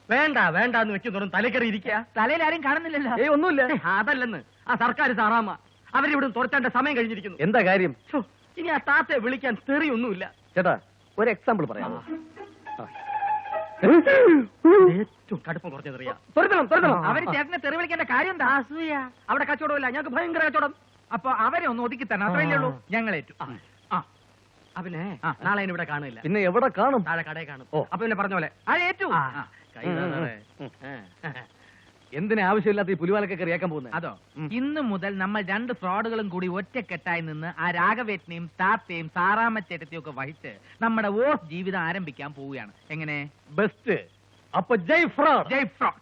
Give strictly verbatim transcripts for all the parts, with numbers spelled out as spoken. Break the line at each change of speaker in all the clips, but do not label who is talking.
വേണ്ട വേണ്ട എന്ന് വെക്കുന്നതും തലക്കറി ഇരിക്കുക.
തലയിൽ ആരും കാണുന്നില്ലല്ലോ.
ഏയ് ഒന്നുമില്ല. അതല്ലെന്ന് ആ സർക്കാർ സാറാമ്മ അവരിവിടെ തുറച്ചേണ്ട സമയം കഴിഞ്ഞിരിക്കുന്നു.
എന്താ കാര്യം?
ഇനി ആ താത്തയെ വിളിക്കാൻ തെറിയൊന്നുമില്ല.
ചേട്ടാ ഒരു എക്സാമ്പിൾ പറയാമോ?
ഏറ്റവും കടുപ്പം കുറഞ്ഞ തെറിയാ.
തുറക്കണം തുറക്കണം.
അവര് ചേട്ടനെ തെറി വിളിക്കേണ്ട കാര്യം എന്താ?
അസൂയ. അവിടെ കച്ചവടമില്ല, ഞങ്ങൾക്ക് ഭയങ്കര കച്ചവടം.
അപ്പൊ അവരെ ഒന്ന് ഒതുക്കി തന്നെ, അത്രയല്ലേ ഉള്ളൂ. ഞങ്ങളേറ്റു.
അവനെ നാളെ ഇവിടെ കാണില്ല.
പിന്നെ എവിടെ കാണും?
താഴെ കടയിൽ കാണും. അപ്പൊ പിന്നെ പറഞ്ഞ പോലെ
അതേറ്റു.
എന്തിനാ ആവശ്യമില്ലാത്ത ഈ പുലിവാലൊക്കെ കറിയാക്കാൻ പോകുന്നത്?
അതോ, ഇന്ന് മുതൽ നമ്മൾ രണ്ട് ഫ്രോഡുകളും കൂടി ഒറ്റക്കെട്ടായി നിന്ന് ആ രാഘവേട്ടനെയും താത്തയും സാറാമ്മച്ചേട്ടത്തെയും ഒക്കെ വഹിച്ച് നമ്മുടെ ഓഫ് ജീവിതം ആരംഭിക്കാൻ പോവുകയാണ്. എങ്ങനെ?
ബെസ്റ്റ്. അപ്പൊ ജയ് ഫ്രോഡ്.
ജയ് ഫ്രോഡ്.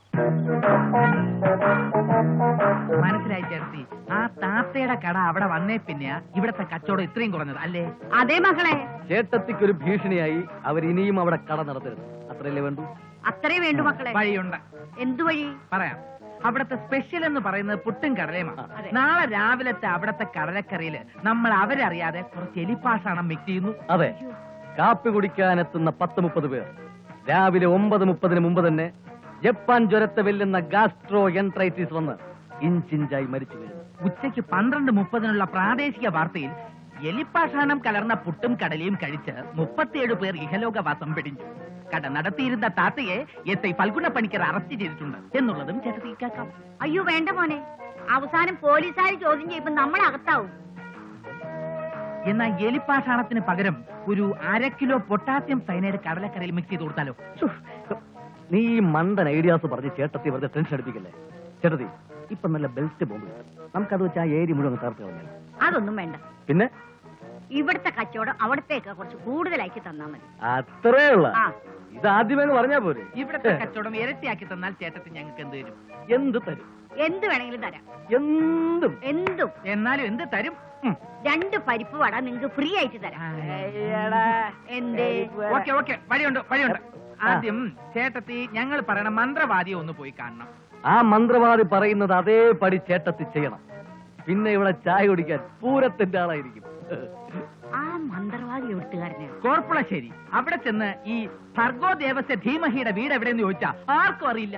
മനസ്സിലായി ചേർത്തി. ആ താത്തയുടെ കട അവിടെ വന്നേ പിന്നെയാ ഇവിടത്തെ കച്ചവടം ഇത്രയും കുറഞ്ഞത് അല്ലേ?
അതേ മകളെ.
ചേട്ടത്തിക്കൊരു ഭീഷണിയായി അവർ ഇനിയും അവിടെ കട നടത്തരുത്. അത്രയല്ലേ വേണ്ടു?
അത്രേ വേണ്ടു മക്കളെ.
വഴിയുണ്ട്.
എന്തു വഴി?
പറയാം. അവിടത്തെ സ്പെഷ്യൽ എന്ന് പറയുന്നത് പുട്ടും കടലയുമാണ്. നാളെ രാവിലത്തെ അവിടത്തെ കടലക്കറിയില് നമ്മൾ അവരറിയാതെ കുറച്ച് എലിപ്പാഷാണം മിക്സ് ചെയ്യുന്നു.
അതെ, കാപ്പി കുടിക്കാനെത്തുന്ന പത്ത് മുപ്പത് പേർ രാവിലെ ഒമ്പത് മുപ്പതിന് മുമ്പ് തന്നെ ജപ്പാൻ ജ്വരത്തെ വെല്ലുന്ന ഗാസ്ട്രോ എൻട്രൈറ്റിസ് വന്ന് ഇഞ്ചിഞ്ചായി മരിച്ചു വീഴുന്നു.
ഉച്ചയ്ക്ക് പന്ത്രണ്ട് മുപ്പതിനുള്ള പ്രാദേശിക വാർത്തയിൽ എലിപ്പാഷാണം കലർന്ന പുട്ടും കടലയും കഴിച്ച് മുപ്പത്തിയേഴ് പേർ ഇഹലോകവാസം പിടിഞ്ഞു. കട നടത്തിയിരുന്ന താത്തയെ എസ് ഐ ഫൽഗുണ പണിക്കർ അറസ്റ്റ് ചെയ്തിട്ടുണ്ട് എന്നുള്ളതും ചേട്ടത്തി കേൾക്കാം.
അയ്യോ വേണ്ട മോനെ, അവസാനം പോലീസുകാർ ചോദ്യം ചെയ്യുമ്പോൾ നമ്മൾ അകത്താവും.
എന്നാൽ എലിപ്പാഷാണത്തിന് പകരം ഒരു അര കിലോ പൊട്ടാസ്യം സൈനൈഡ് കടലക്കറിയിൽ മിക്സ് ചെയ്ത് കൊടുത്താലോ?
നീ ഈ മണ്ടൻ ഐഡിയാസ് പറഞ്ഞ് ചേട്ടത്തി വെറുതെ ടെൻഷൻ അടിപ്പിക്കല്ലേ. ചേട്ടത്തി ഇപ്പൊ നല്ല ബെൽറ്റ് ബോംബ്, നമുക്കത് വെച്ച് ആ ഏരി മുഴുവൻ തകർത്ത് കളഞ്ഞാൽ.
അതൊന്നും വേണ്ട.
പിന്നെ
ഇവിടുത്തെ കച്ചവടം അവിടത്തേക്ക് കുറച്ച് കൂടുതലാക്കി തന്നാ മതി.
അത്രേ ഉള്ള. ഇത് ആദ്യമേ പറഞ്ഞാ പോരെ.
ഇവിടത്തെ കച്ചവടം ഇരട്ടിയാക്കി തന്നാൽ ചേട്ടത്തി ഞങ്ങൾക്ക് എന്ത് തരും?
എന്ത് തരും?
എന്ത് വേണമെങ്കിലും തരാം.
എന്തും
എന്തും.
എന്നാലും എന്ത് തരും?
രണ്ട് പരിപ്പ് വട നിങ്ങൾക്ക് ഫ്രീ ആയിട്ട് തരാം. എന്തേ?
ഓക്കെ ഓക്കെ, വഴിയുണ്ട് വഴിയുണ്ട്. ആദ്യം ചേട്ടത്തി ഞങ്ങൾ പറയണ മന്ത്രവാദിയെ ഒന്ന് പോയി കാണണം.
ആ മന്ത്രവാദി പറയുന്നത് അതേപടി ചേട്ടത്തി ചെയ്യണം. പിന്നെ ഇവിടെ ചായ കുടിക്കാൻ പൂരത്തിന്റെ ആളായിരിക്കും.
ആ മന്ത്രവാദി എഴുത്തുകാരനെ
കോർപ്പുളശ്ശേരി. അവിടെ ചെന്ന് ഈ ഭർഗോ ദേവസ്യ ധീമഹിയുടെ വീട് എവിടെയെന്ന് ചോദിച്ചാ ആർക്കും അറിയില്ല.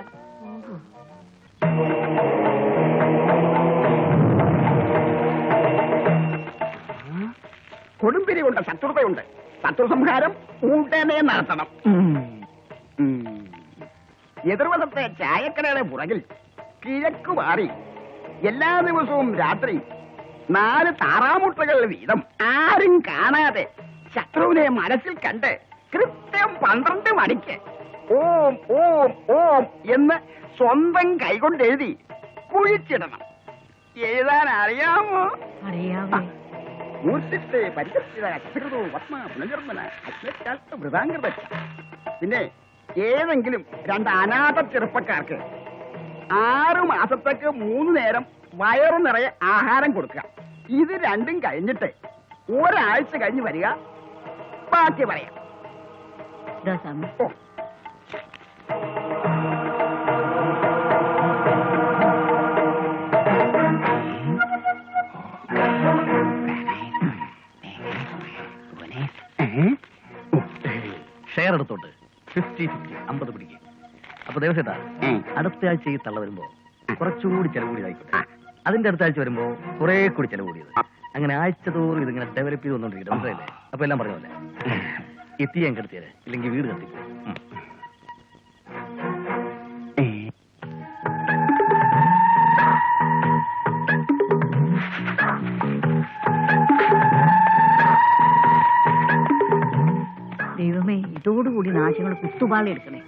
കൊടുമ്പിരിയുണ്ട്, ശത്രുതയുണ്ട്. ശത്രുസംഹാരം ഉടനെ നടത്തണം. എതിർവശത്തെ ചായക്കടയുടെ പുറകിൽ കിഴക്ക് മാറി എല്ലാ ദിവസവും രാത്രി നാല് താറാമുട്ടകൾ വീതം ആരും കാണാതെ ശത്രുവിനെ മനസ്സിൽ കണ്ട് കൃത്യം പന്ത്രണ്ട് മണിക്ക് ഓം ഓം ഓം എന്ന് സ്വന്തം കൈകൊണ്ട് എഴുതി കുഴിച്ചിടണം. എഴുതാൻ അറിയാമോ?
അറിയാമോ?
മൂർത്തിത്തെ പരിചിത പത്മ പുനർജന്മന വൃതാംഗത. പിന്നെ ഏതെങ്കിലും രണ്ട് അനാഥ ചെറുപ്പക്കാർക്ക് ആറു മാസത്തേക്ക് മൂന്ന് നേരം വയറു നിറയെ ആഹാരം കൊടുക്കുക. ഇത് രണ്ടും കഴിഞ്ഞിട്ട് ഒരാഴ്ച കഴിഞ്ഞ് വരിക, ബാക്കി പറയാം.
ഷെയർ എടുത്തോട്ട് ഫിഫ്റ്റി ഫിഫ്റ്റി അമ്പത് പിടിക്കും. അപ്പൊ ദേവസേട്ടാ, അടുത്ത ആഴ്ച ഈ തള്ള വരുമ്പോ കുറച്ചുകൂടി ചെലവ് കൂടിയതായിക്കോട്ടെ. അതിന്റെ അടുത്ത ആഴ്ച വരുമ്പോ കുറെ കൂടി ചെലവ് കൂടിയത്. അങ്ങനെ ആഴ്ച തോറും ഇതിങ്ങനെ ഡെവലപ്പ് ചെയ്ത് വന്നോണ്ടിരിക്കും. മനസ്സിലായില്ലേ? അപ്പൊ എല്ലാം പറഞ്ഞ പോലെ എത്തി ഞാൻ കെടുത്തിയത്, ഇല്ലെങ്കിൽ വീട് കത്തിക്കും.
ദൈവമേ, ഇതോടുകൂടി നാശങ്ങൾ കുത്തുപാളി എടുക്കണേ.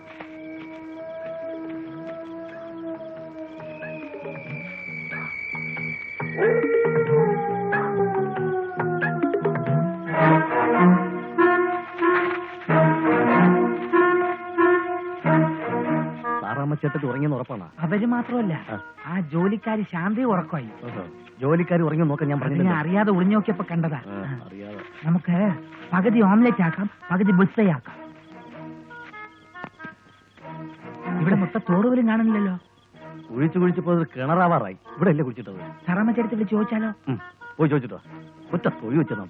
സാറാമ്മച്ചേട്ടത്തി ഉറങ്ങിയെന്ന് ഉറപ്പാണ്.
അവര് മാത്രമല്ല, ആ ജോലിക്കാരി ശാന്തി ഉറക്കമായി.
ജോലിക്കാർ ഉറങ്ങി നോക്കാൻ ഞാൻ പറഞ്ഞു.
അറിയാതെ ഒളിഞ്ഞു നോക്കിയപ്പോ കണ്ടതാ.
അറിയാതെ
നമുക്ക് പകുതി ഓംലെറ്റ് ആക്കാം, പകുതി ബുൾസൈ ആക്കാം. ഇവിടെ മൊത്തം തോറുപോലും കാണുന്നില്ലല്ലോ.
കുഴിച്ചു കുഴിച്ചപ്പോ കിണറാവാറായി. ഇവിടെ അല്ലേ കുഴിച്ചിട്ടത്?
സാറാമ്മച്ചേട്ടത്തി വിളിച്ച് ചോദിച്ചാലോ?
പോയി ചോദിച്ചിട്ടോ. ഒറ്റ തൊഴി വെച്ചോ.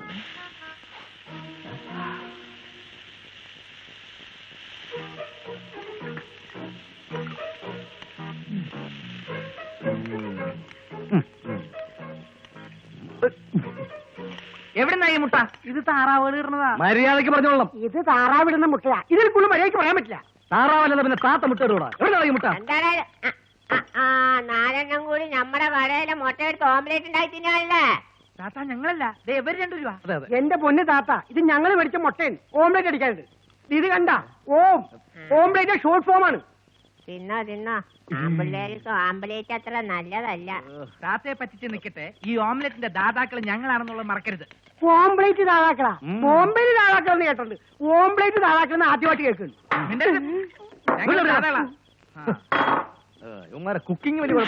എവിടുന്നാ ഈ മുട്ട? ഇത് താറാവുകൾ ഇടുന്നതാ.
മര്യാദയ്ക്ക് പറഞ്ഞോളാം.
ഇത് താറാവിടുന്ന മുട്ടയാ. ഇതിൽ കൂടുതൽ മര്യാദയ്ക്ക് പറയാൻ പറ്റില്ല.
താറാവല്ല പിന്നെ താത്ത മുട്ട ഇടൂടാ. എവിടെയാണ് ഈ മുട്ട?
എന്താണ് നാലെണ്ണം കൂടി നമ്മുടെ കടയിലെ മുട്ട എടുത്ത് ഓംലേറ്റ് ഉണ്ടായി തിന്നാനല്ലേ?
താത്ത ഞങ്ങളല്ല, ദേ ഇവര് രണ്ടു രൂപ.
അതെ അതെ.
എന്റെ പൊന്ന് താത്ത, ഇത് ഞങ്ങൾ മേടിച്ച മുട്ടയും ഓംലേറ്റ് അടിക്കാനുണ്ട്. ഇത് കണ്ട ഓം ഓംലേറ്റ് ഷോർട്ട് ഫോം ആണ്.
തിന്നോ തിന്നോ. ആമ്പിള്ളേർക്ക് ആംബുലേറ്റ് അത്ര നല്ലതല്ല.
താത്തയെ പറ്റിച്ച് നിൽക്കട്ടെ, ഈ ഓംലെറ്റിന്റെ ദാതാക്കൾ ഞങ്ങളാണെന്നുള്ളത് മറക്കരുത്.
ഓംപ്ലേറ്റ് താഴാക്കളാ. ഓംപ്ലേറ്റ് താഴാക്കളെന്ന് കേട്ടിട്ടുണ്ട്. ഓംപ്ലേറ്റ് താഴാക്കളെന്ന് ആദ്യമായിട്ട് കേൾക്കുന്നു.
ഞങ്ങൾ ദാതാക്കളാ.
ഇവന്മാരെ കുക്കിംഗ് വലിയ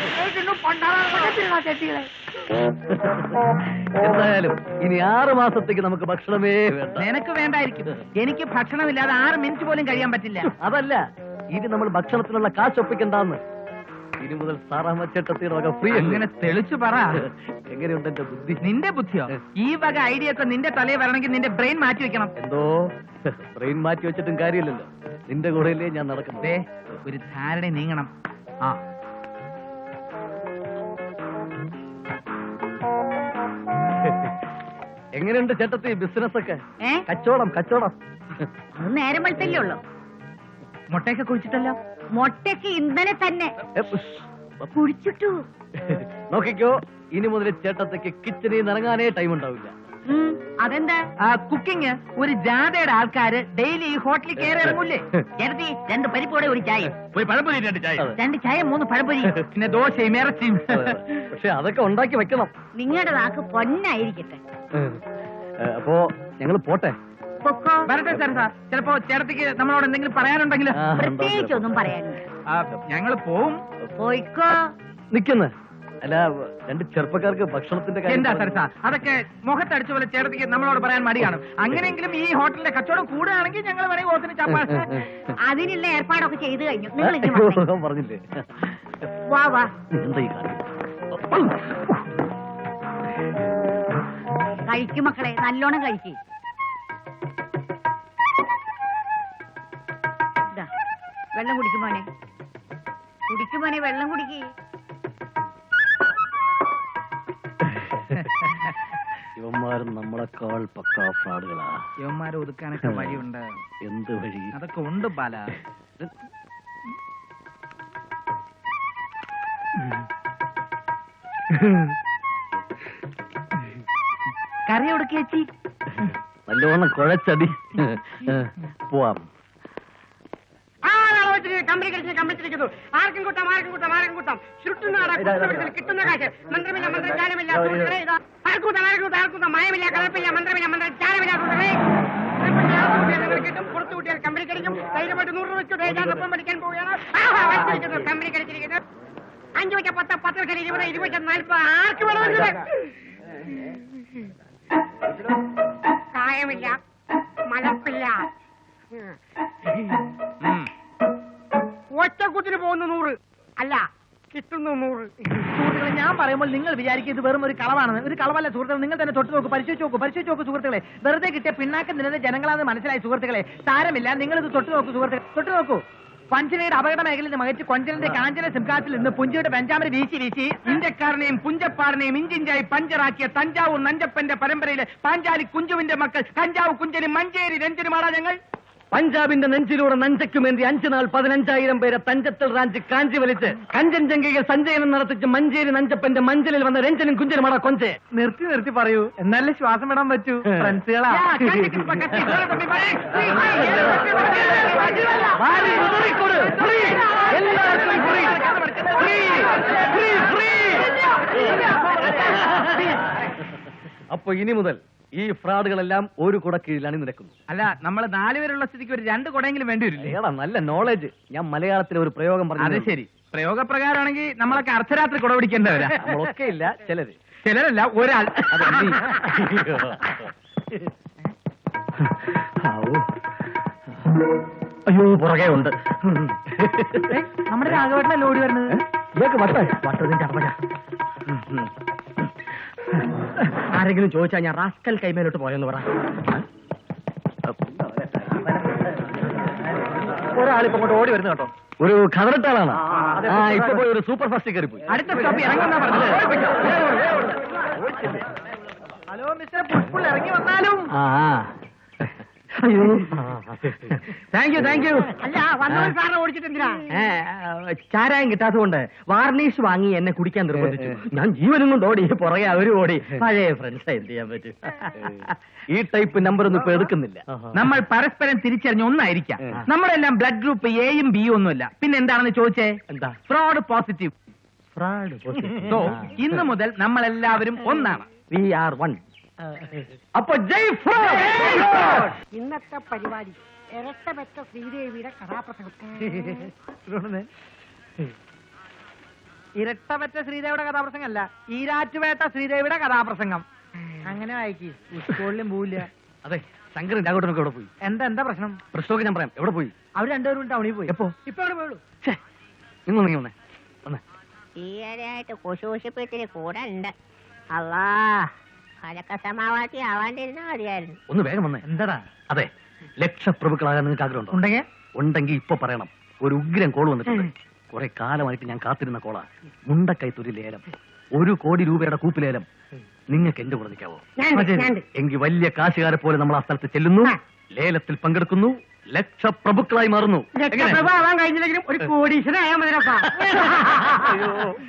എന്തായാലും ഇനി ആറ് മാസത്തേക്ക് നമുക്ക് ഭക്ഷണമേ വേണ്ട.
നിനക്ക് വേണ്ടായിരിക്കും, എനിക്ക് ഭക്ഷണമില്ലാതെ ആറ് മിനിറ്റ് പോലും കഴിയാൻ പറ്റില്ല.
അതല്ല, ഇനി നമ്മൾ ഭക്ഷണത്തിനുള്ള കാശ് ഒപ്പിക്കണ്ടെന്ന്. ഇനി മുതൽ സാറാമച്ചേട്ടത്തിയുടെ വക ഫ്രീ.
അങ്ങനെ തെളിച്ചു പറ.
എങ്ങനെയുണ്ട് എന്റെ ബുദ്ധി?
നിന്റെ ബുദ്ധിയോ? ഈ വക ഐഡിയ ഒക്കെ നിന്റെ തലയിൽ വരണമെങ്കിൽ നിന്റെ ബ്രെയിൻ മാറ്റി വെക്കണം.
എന്തോ ബ്രെയിൻ മാറ്റി വെച്ചിട്ടും കാര്യമില്ലല്ലോ. നിന്റെ കൂടെയല്ലേ ഞാൻ നടക്കുന്നത്.
ദേ, ഒരു ധാരണ നീങ്ങണം. ആ
എങ്ങനെയുണ്ട് ചേട്ടത്തി ബിസിനസ് ഒക്കെ?
ഏ
കച്ചവടം കച്ചവടം
അത് നേരം വെളുത്തല്ലേ ഉള്ളൂ.
മുട്ടയൊക്കെ കുഴിച്ചിട്ടല്ലോ.
മുട്ടയ്ക്ക് ഇന്നലെ തന്നെ
ഏ, ഉഷ്.
കുടിച്ചിട്ടു.
നോക്കിക്കോ, ഇനി മുതൽ ചേട്ടത്തേക്ക് കിച്ചണിൽ നിന്ന് ഇറങ്ങാനേ ടൈം ഉണ്ടാവില്ല.
അതെന്താ?
ആ കുക്കിംഗ് ഒരു ജാഥയുടെ ആൾക്കാര് ഡെയിലി ഈ ഹോട്ടലിൽ കയറി ഇറങ്ങൂലേ? ചേർത്തി രണ്ട് പരിപ്പോടെ ഒരു ചായ, ഒരു പഴംപൊരി, രണ്ട് ചായ, രണ്ട് ചായ മൂന്ന് പഴംപൊരി, പിന്നെ ദോശയും ഇറച്ചിയും.
പക്ഷെ അതൊക്കെ ഉണ്ടാക്കി വെക്കണം.
നിങ്ങളുടെ നാക്ക് പൊന്നായിരിക്കട്ടെ.
ഏ, അപ്പോ ഞങ്ങൾ പോട്ടെ.
പൊക്കോ.
വരട്ടെ സാർ. സാർ ചിലപ്പോ ചേട്ടത്തിക്ക് നമ്മളോട് എന്തെങ്കിലും പറയാനുണ്ടെങ്കിൽ
ആ,
പ്രത്യേകിച്ച് ഒന്നും പറയാനില്ല.
ഞങ്ങൾ പോവും.
പോയിക്കോ.
നിക്കുന്ന അല്ല, രണ്ട് ചെറുപ്പക്കാർക്ക് ഭക്ഷണത്തിന്റെ കാര്യം
എന്താ സാർ സാർ അതൊക്കെ മുഖത്തടിച്ച പോലെ ചേട്ടത്തിക്ക് നമ്മളോട് പറയാൻ മടിയാണ്. അങ്ങനെയെങ്കിലും ഈ ഹോട്ടലിന്റെ കച്ചവടം കൂടുകയാണെങ്കിൽ ഞങ്ങൾ വേണമെങ്കിൽ ഓത്തിന് ചപ്പാ.
അതിനുള്ള ഏർപ്പാടൊക്കെ ചെയ്തു കഴിഞ്ഞു. നിങ്ങൾ ഇനി
അയ്യോ,
വന്നേ.
പറഞ്ഞില്ലേ?
വാ വാ.
എന്താ ഈ കാര്യം?
കഴിക്കും മക്കളെ, നല്ലോണം കഴിക്കും. വെള്ളം കുടിക്കുമോനെ, കുടിക്കുമോനെ, വെള്ളം കുടിക്കേ.
ഇവന്മാരും നമ്മളെക്കാൾ പക്കാ ഫ്രാഡുകളാ.
യവന്മാരെ ഒതുക്കാനൊക്കെ വഴിയുണ്ട്.
എന്ത് വഴി?
അതൊക്കെ ഉണ്ട് ബാല. കറി കൊടുക്ക ചേച്ചി.
നല്ലോണം കുഴച്ചടി. പോവാം.
കമ്പനി കളിച്ച് കമ്പിച്ചിരിക്കുന്നു. ആർക്കും കൂട്ടാം, ആർക്കും കൂട്ടാം, ആർക്കും കൂട്ടാം. ചുട്ടുനാട കിട്ടുന്ന കാശ്. മന്ത്രമില്ല, മന്ത്രജാലമില്ല. ആർക്കൂട്ടാം, ആർക്കൂട്ടാം, ആർക്കൂട്ടാം. മയമില്ല, കലപ്പില്ല, മന്ത്രമില്ല, മന്ത്രജാലമില്ല. കിട്ടും. പുറത്തു കൂട്ടിയാൽ കമ്പനി കളിക്കും. ധൈര്യമായിട്ട് നൂറ് രൂപ വെച്ചു ഞാനൊപ്പം പഠിക്കാൻ പോവുകയാണ്. കമ്പനി കളിച്ചിരിക്കുന്നത് അഞ്ചു വെച്ച പത്ത്, പത്ത് വെച്ചാൽ ഇരുപത്, ഇരുപത് വെച്ചാൽ നാൽപ്പത്. ആർക്ക് വേണമെന്നത്? കായമില്ല, മലപ്പില്ല. ഒറ്റക്കുത്തിന് പോകുന്ന നൂറ് അല്ല, കിട്ടുന്നു നൂറ്.
സുഹൃത്തുക്കളെ, ഞാൻ പറയുമ്പോൾ നിങ്ങൾ വിചാരിക്കും ഇത് വെറും ഒരു കളവാണെന്ന്. ഒരു കളവല്ല സുഹൃത്തുക്കളെ. നിങ്ങൾ തന്നെ തൊട്ട് നോക്കൂ, പരിശോധിച്ച് നോക്കൂ, പരിശോധിച്ച് നോക്കൂ സുഹൃത്തുക്കളെ. വെറുതെ കിട്ടിയ പിന്നാക്കം നിന്നത് ജനങ്ങളാണെന്ന് മനസ്സിലായി സുഹൃത്തുക്കളെ. സാരമില്ല, നിങ്ങൾ ഇത് തൊട്ട് നോക്കൂ സുഹൃത്തുക്കളെ, തൊട്ട് നോക്കൂ. പഞ്ചനയുടെ അപകട മേഖലയിൽ നിന്ന് മകച്ച് കൊഞ്ചലിന്റെ കാഞ്ചന സിംഹാസിൽ നിന്ന് പുഞ്ചയുടെ പെഞ്ചാമര വീശി വീശി ഇന്ത്യക്കാരനെയും പുഞ്ചപ്പാറിനെയും ഇഞ്ചിഞ്ചായി പഞ്ചറാക്കിയ തഞ്ചാവൂർ നഞ്ചപ്പന്റെ പരമ്പരയിലെ പാഞ്ചാലി കുഞ്ചുവിന്റെ മക്കൾ കഞ്ചാവ് കുഞ്ചനും മഞ്ചേരി രഞ്ജനുമാടാ ഞങ്ങൾ.
പഞ്ചാബിന്റെ നെഞ്ചിലൂടെ നഞ്ചയ്ക്കുമേന്തി അഞ്ചു നാൾ പതിനഞ്ചായിരം പേരെ തഞ്ചത്തിൽ റാഞ്ചി കാഞ്ചി വലിച്ച് കഞ്ചൻജംഗയിൽ സഞ്ചയനം നടത്തിച്ച് മഞ്ചേരി നഞ്ചപ്പന്റെ മഞ്ചലിൽ വന്ന രഞ്ജനും കുഞ്ചനുമാടാ കൊഞ്ചെ.
നിർത്തി നിർത്തി പറയൂ, എന്നാലേ ശ്വാസം വിടാൻ പറ്റൂ. ഫ്രണ്ട്സുകളാ.
അപ്പൊ ഇനി മുതൽ ഈ ഫ്രോഡുകളെല്ലാം ഒരു കുട കീഴിലാണ് നിൽക്കുന്നത്.
അല്ല, നമ്മൾ നാലുപേരുള്ള സ്ഥിതിക്ക് ഒരു രണ്ട് കുടയെങ്കിലും വേണ്ടി വരില്ലേ?
ഏടാ, നല്ല നോളജ്. ഞാൻ മലയാളത്തിലെ ഒരു പ്രയോഗം
അത്
പറഞ്ഞു.
ശരി. പ്രയോഗപ്രകാരമാണെങ്കിൽ നമ്മളൊക്കെ അർദ്ധരാത്രി കുട പിടിക്കേണ്ടവരാ.
നമ്മളൊക്കെ ഇല്ല, ചിലര്.
ചിലരല്ല, ഒരാൾ.
അത് നീ. അയ്യോ, പുറകെ ഉണ്ട്.
നമ്മുടെ രാഘവേട്ടനല്ലേ ഓടി വരുന്നത്?
ഇതൊക്കെ വട്ട വട്ടതിന്റെ അർമ്മ.
ആരെങ്കിലും ചോദിച്ചാൽ ഞാൻ റാസ്കൽ കൈമേലോട്ട് പോയെന്ന് പറ.
ഒരാളിപ്പോ അങ്ങോട്ട് ഓടി വരുന്നു കേട്ടോ. ഒരു ഖദറിട്ടാളാണ്. ആ, ഇപ്പൊ പോയി ഒരു സൂപ്പർ ഫാസ്റ്റ് കയറി പോയി.
അടുത്ത സ്റ്റോപ്പ് ഇറങ്ങുന്ന പറഞ്ഞത്. ഹലോ മിസ്റ്റർ പുഷ്പുൾ ഇറങ്ങി വന്നാലും.
ആ അയ്യോ താങ്ക് യു താങ്ക് യു.
അല്ല വന്നവൻ സാറിനെ ഓടിച്ചിട്ട് എന്തിനാ?
ചാരായം കിട്ടാത്തതുകൊണ്ട് വാർണിഷ് വാങ്ങി എന്നെ കുടിക്കാൻ നിർബന്ധിച്ചു. ഞാൻ ജീവനും കൊണ്ട് ഓടി, പുറകെ അവരും ഓടി. പഴയ ഫ്രണ്ട്സ് എന്ത് ചെയ്യാൻ പറ്റും? ഈ ടൈപ്പ് നമ്പർ ഒന്നും ഇപ്പൊ എടുക്കുന്നില്ല.
നമ്മൾ പരസ്പരം തിരിച്ചറിഞ്ഞ ഒന്നായിരിക്കാം. നമ്മളെല്ലാം ബ്ലഡ് ഗ്രൂപ്പ് എയും ബിയും ഒന്നുമില്ല. പിന്നെ എന്താണെന്ന് ചോദിച്ചേ?
എന്താ?
Fraud positive.
ഫ്രോഡ്
സോ ഇന്ന് മുതൽ നമ്മൾ എല്ലാവരും ഒന്നാണ്.
We are one. അപ്പൊ ജയ് ഫ്രോഡ്.
ഇന്നത്തെ പരിപാടി ഇരട്ടപ്പെട്ട ശ്രീദേവിയുടെ കഥാപ്രസംഗം.
ഇരട്ടപറ്റ ശ്രീദേവിയുടെ കഥാപ്രസംഗം അല്ല, ഈരാറ്റുപേട്ട ശ്രീദേവിയുടെ കഥാപ്രസംഗം. അങ്ങനെ വായിക്കി, സ്കൂളിലും പോവില്ല.
അതെ, ശങ്കരൻ രാഘവട്ടനൊക്കെ എവിടെ പോയി?
എന്താ എന്താ പ്രശ്നം?
പ്രശ്നമൊക്കെ ഞാൻ പറയാം. എവിടെ പോയി?
അവർ രണ്ടുപേരും ടൗണിൽ പോയി.
എപ്പോ?
ഇപ്പൊ അവിടെ പോയുള്ളൂ.
നിങ്ങൾ നീ വന്നേ വന്നേ.
ഈയിടെയായിട്ട് കുശൂഷിപ്പത്തിന് കൂടെ ഉണ്ട്. അല്ലാ അതൊക്കെ സമാവാത്തി ആവാണ്ടിരുന്നാ മതിയായിരുന്നു.
ഒന്ന് വേഗം വന്നേ.
എന്താടാ?
അതെ, ലക്ഷപ്രഭുക്കളാകാൻ നിങ്ങൾക്ക് ആഗ്രഹമുണ്ടോ?
ഉണ്ടെങ്കിൽ
ഉണ്ടെങ്കിൽ ഇപ്പൊ പറയണം. ഒരു ഉഗ്രം കോൾ വന്നിട്ടുണ്ട്. കുറെ കാലമായിട്ട് ഞാൻ കാത്തിരുന്ന കോളാ. മുണ്ടക്കൈത്തൊരു ലേലം, ഒരു കോടി രൂപയുടെ കൂപ്പ് ലേലം. നിങ്ങൾക്ക് എന്റെ കൂടെ നിൽക്കാവോ? എങ്കിൽ വലിയ കാശുകാരെ പോലെ നമ്മൾ ആ സ്ഥലത്ത് ചെല്ലുന്നു, ലേലത്തിൽ പങ്കെടുക്കുന്നു, ലക്ഷപ്രഭുക്കളായി മാറുന്നു.
ലക്ഷപ്രഭ ആവാൻ കഴിഞ്ഞില്ലെങ്കിലും ഒരു കോടീശ്വരനായാൽ മതിരപ്പാ.